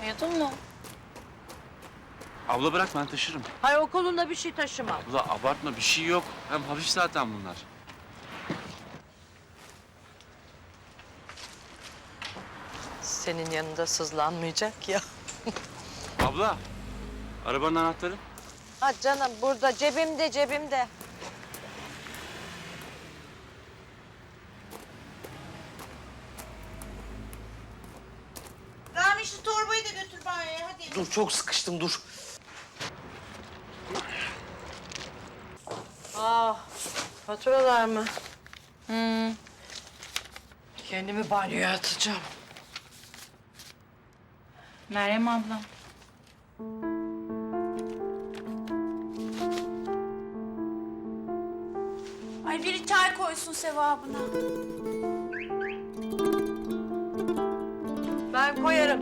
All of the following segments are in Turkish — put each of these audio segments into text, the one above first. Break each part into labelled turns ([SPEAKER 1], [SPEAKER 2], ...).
[SPEAKER 1] Uyudun mu?
[SPEAKER 2] Abla bırak ben taşırım.
[SPEAKER 3] Hayır, o kolunda bir şey taşıma.
[SPEAKER 2] Abla abartma bir şey yok. Hem hafif zaten bunlar.
[SPEAKER 3] Senin yanında sızlanmayacak ya.
[SPEAKER 2] Abla arabanın anahtarı.
[SPEAKER 3] Ha canım, burada cebimde.
[SPEAKER 4] Rami şu torbayı da götür banyoya hadi.
[SPEAKER 5] Dur çok sıkıştım dur.
[SPEAKER 3] Faturalar mı? Kendimi banyoya atacağım.
[SPEAKER 1] Meryem abla. Ay biri çay koysun sevabına.
[SPEAKER 3] Ben koyarım.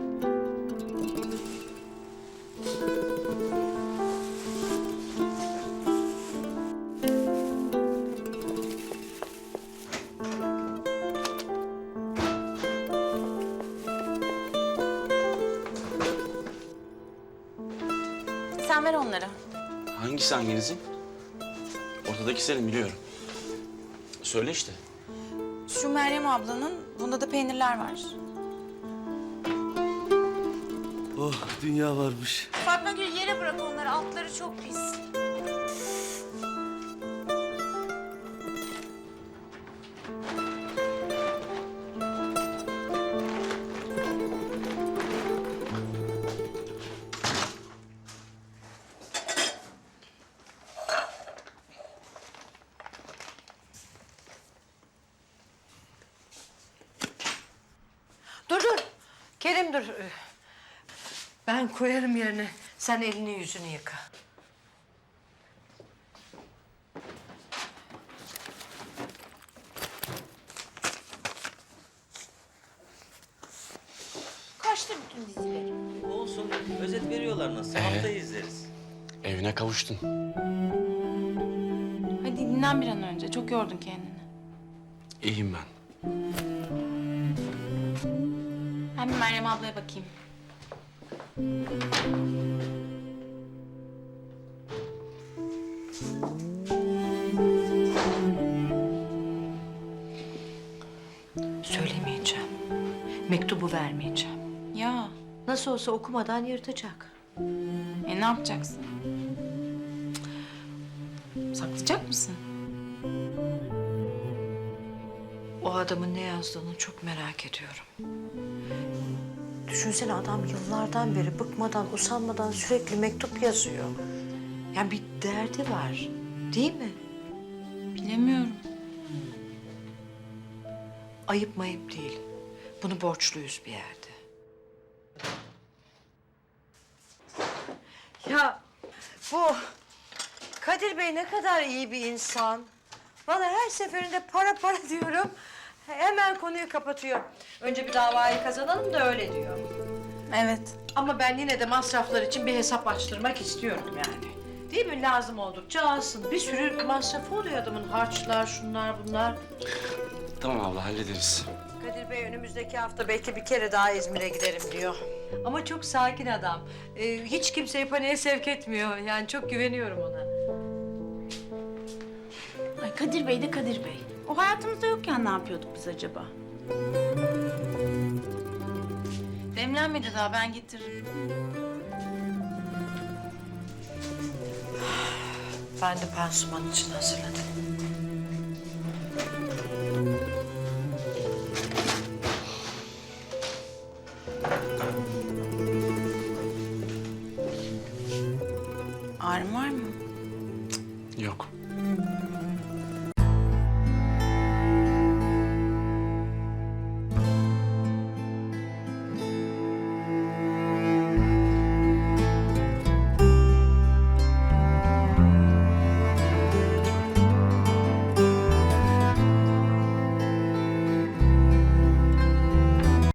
[SPEAKER 1] Sen ver onları.
[SPEAKER 2] Hangisi hanginizin? Ortadaki senin biliyorum. Söyle işte.
[SPEAKER 1] Şu Meryem ablanın, bunda da peynirler var.
[SPEAKER 5] Oh dünya varmış.
[SPEAKER 1] Fatma Gül yere bırak onları, altları çok pis.
[SPEAKER 3] Dur. Kerim dur. Ben koyarım yerine. Sen elini yüzünü yıka.
[SPEAKER 4] Kaçtı bütün dizileri.
[SPEAKER 5] Olsun özet veriyorlar nasıl haftayı izleriz.
[SPEAKER 2] Evine kavuştun.
[SPEAKER 1] Hadi dinlen bir an önce, çok yordun kendini.
[SPEAKER 2] İyiyim ben.
[SPEAKER 1] Ben bir Meryem ablaya bakayım.
[SPEAKER 3] Söylemeyeceğim. Mektubu vermeyeceğim.
[SPEAKER 1] Ya,
[SPEAKER 3] Nasıl olsa okumadan yırtacak.
[SPEAKER 1] ne yapacaksın? Saklayacak mısın?
[SPEAKER 3] O adamın ne yazdığını çok merak ediyorum. Düşünsene adam yıllardan beri bıkmadan, usanmadan sürekli mektup yazıyor. Yani bir derdi var, değil mi?
[SPEAKER 1] Bilemiyorum.
[SPEAKER 3] Ayıp mayıp değil. Bunu borçluyuz bir yerde. Ya bu Kadir Bey ne kadar iyi bir insan. Vallahi her seferinde para diyorum. Hemen konuyu kapatıyor. Önce bir davayı kazanalım da öyle diyor.
[SPEAKER 1] Evet.
[SPEAKER 3] Ama ben yine de masraflar için bir hesap açtırmak istiyorum yani. Değil mi? Lazım oldukça alsın. Bir sürü masrafı oluyor adamın. Harçlar, şunlar, bunlar.
[SPEAKER 2] Tamam abla hallederiz.
[SPEAKER 3] Kadir Bey önümüzdeki hafta belki bir kere daha İzmir'e giderim diyor. Ama çok sakin adam. Hiç kimseyi paniğe sevk etmiyor. Yani çok güveniyorum ona.
[SPEAKER 1] Ay Kadir Bey de Kadir Bey. O hayatımızda yokken ne yapıyorduk biz acaba? Demlenmedi daha, ben getiririm.
[SPEAKER 3] Ben de pansuman için hazırladım.